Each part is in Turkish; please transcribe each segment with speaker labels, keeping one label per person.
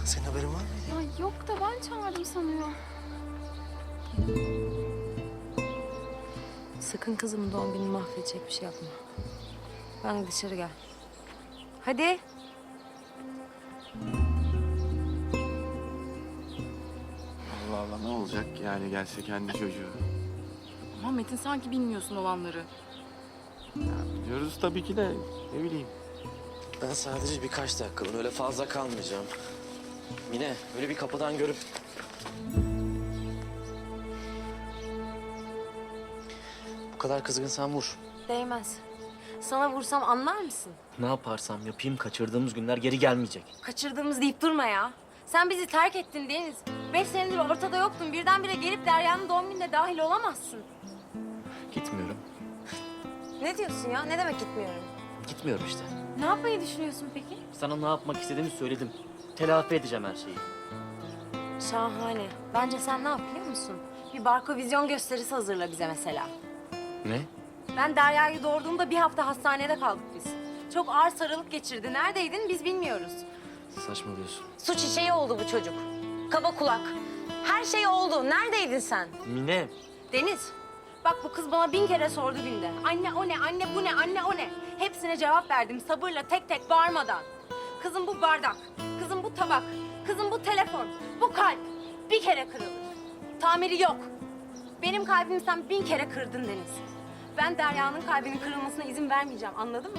Speaker 1: Senin haberin var mı?
Speaker 2: Ya yok da ben çağırdım sanıyor.
Speaker 3: Sakın kızımın doğum gününü mahvedecek bir şey yapma. Ben de dışarı gel. Hadi.
Speaker 4: Allah Allah, ne olacak yani gelse kendi çocuğu?
Speaker 2: Ama Metin sanki bilmiyorsun olanları.
Speaker 4: Ya biliyoruz tabii ki de, ne bileyim.
Speaker 1: Ben sadece birkaç dakikalığına, öyle fazla kalmayacağım. Mine, böyle bir kapıdan görüp... Bu kadar kızgınsan vur.
Speaker 3: Değmez. Sana vursam anlar mısın?
Speaker 5: Ne yaparsam yapayım kaçırdığımız günler geri gelmeyecek.
Speaker 3: Kaçırdığımız deyip durma ya. Sen bizi terk ettin Deniz. 5 senedir ortada yoktun. Birdenbire gelip Derya'nın doğum gününe dahil olamazsın.
Speaker 5: Gitmiyorum.
Speaker 3: Ne diyorsun ya? Ne demek gitmiyorum?
Speaker 5: Gitmiyorum işte.
Speaker 3: Ne yapmayı düşünüyorsun peki?
Speaker 5: Sana ne yapmak istediğimi söyledim. Telafi edeceğim her şeyi.
Speaker 3: Şahane. Bence sen ne yap biliyor musun? Bir barkovizyon gösterisi hazırla bize mesela.
Speaker 5: Ne?
Speaker 3: Ben Derya'yı doğurduğumda bir hafta hastanede kaldık biz. Çok ağır sarılık geçirdi. Neredeydin biz bilmiyoruz.
Speaker 5: Saçmalıyorsun.
Speaker 3: Su çiçeği oldu bu çocuk. Kaba kulak. Her şey oldu. Neredeydin sen?
Speaker 5: Mine.
Speaker 3: Deniz, bak bu kız bana 1000 kere sordu günde. Anne o ne, anne bu ne, anne o ne? Hepsine cevap verdim sabırla, tek tek bağırmadan. Kızım bu bardak, kızım bu tabak, kızım bu telefon, bu kalp bir kere kırılır. Tamiri yok. Benim kalbimi sen 1000 kere kırdın Deniz. Ben Derya'nın kalbinin kırılmasına izin vermeyeceğim, anladın mı?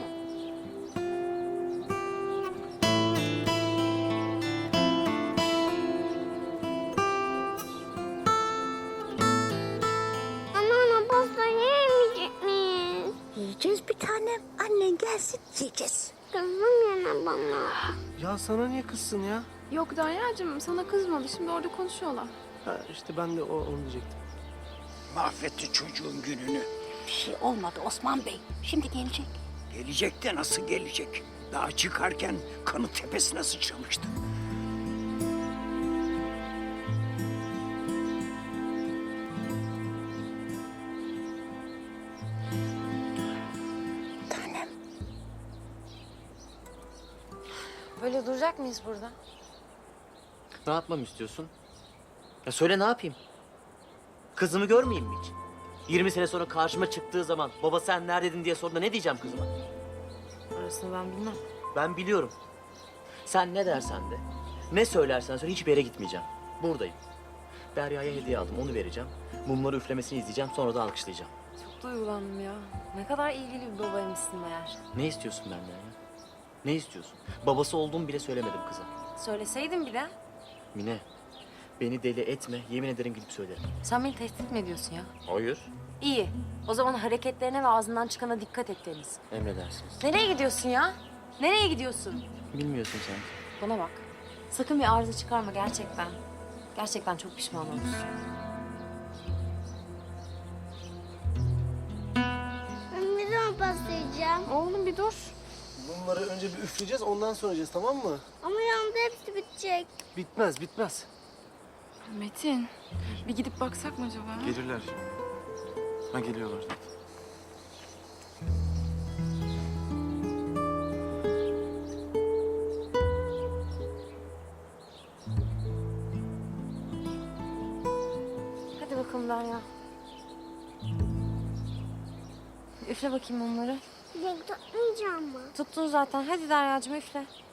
Speaker 6: Anneanne pasta yiyemeyecek miyiz?
Speaker 7: Yiyeceğiz bir tanem. Annen gelsin yiyeceğiz.
Speaker 6: Kızım yine bana.
Speaker 1: Ya sana niye kızsın ya?
Speaker 2: Yok Derya'cığım sana kızmadı. Şimdi orada konuşuyorlar.
Speaker 1: Ha, işte ben de onu diyecektim.
Speaker 8: Mahvetti çocuğun gününü.
Speaker 7: Bir şey olmadı Osman Bey. Şimdi gelecek.
Speaker 8: Gelecek de nasıl gelecek? Daha çıkarken kanı tepesine sıçramıştı.
Speaker 7: Tanem.
Speaker 3: Böyle duracak mıyız burada?
Speaker 5: Ne yapmamı istiyorsun? Ya söyle ne yapayım? Kızımı görmeyeyim mi hiç? 20 sene sonra karşıma çıktığı zaman baba sen neredeydin diye sorduğunda ne diyeceğim kızıma?
Speaker 3: Orasını ben bilmem.
Speaker 5: Ben biliyorum. Sen ne dersen de, ne söylersen söyle hiçbir yere gitmeyeceğim. Buradayım. Derya'ya hediye aldım, onu vereceğim. Mumları üflemesini izleyeceğim, sonra da alkışlayacağım.
Speaker 3: Çok duygulandım ya. Ne kadar ilgili bir babaymışsın meğer.
Speaker 5: Ne istiyorsun benden ya? Ne istiyorsun? Babası olduğumu bile söylemedim kıza.
Speaker 3: Söyleseydin bir de.
Speaker 5: Mine, beni deli etme, yemin ederim gidip söylerim.
Speaker 3: Sen beni tehdit mi ediyorsun ya?
Speaker 5: Hayır.
Speaker 3: İyi. O zaman hareketlerine ve ağzından çıkana dikkat et Deniz.
Speaker 5: Emredersiniz.
Speaker 3: Nereye gidiyorsun ya? Nereye gidiyorsun?
Speaker 5: Bilmiyorsun sen.
Speaker 3: Bana bak. Sakın bir arıza çıkarma gerçekten. Gerçekten çok pişman olursun.
Speaker 6: Ben bir daha pasta yiyeceğim.
Speaker 2: Oğlum bir dur.
Speaker 1: Bunları önce bir üfleyeceğiz, ondan sonra yiyeceğiz, tamam mı?
Speaker 6: Ama yanında hepsi bitecek.
Speaker 1: Bitmez, bitmez.
Speaker 2: Metin bir gidip baksak mı acaba?
Speaker 4: Gelirler şimdi. Ha, geliyorlar zaten.
Speaker 3: Hadi bakalım Derya. Üfle bakayım onları.
Speaker 6: Yok tutmayacağım mı?
Speaker 3: Tuttun zaten. Hadi Derya'cığım üfle.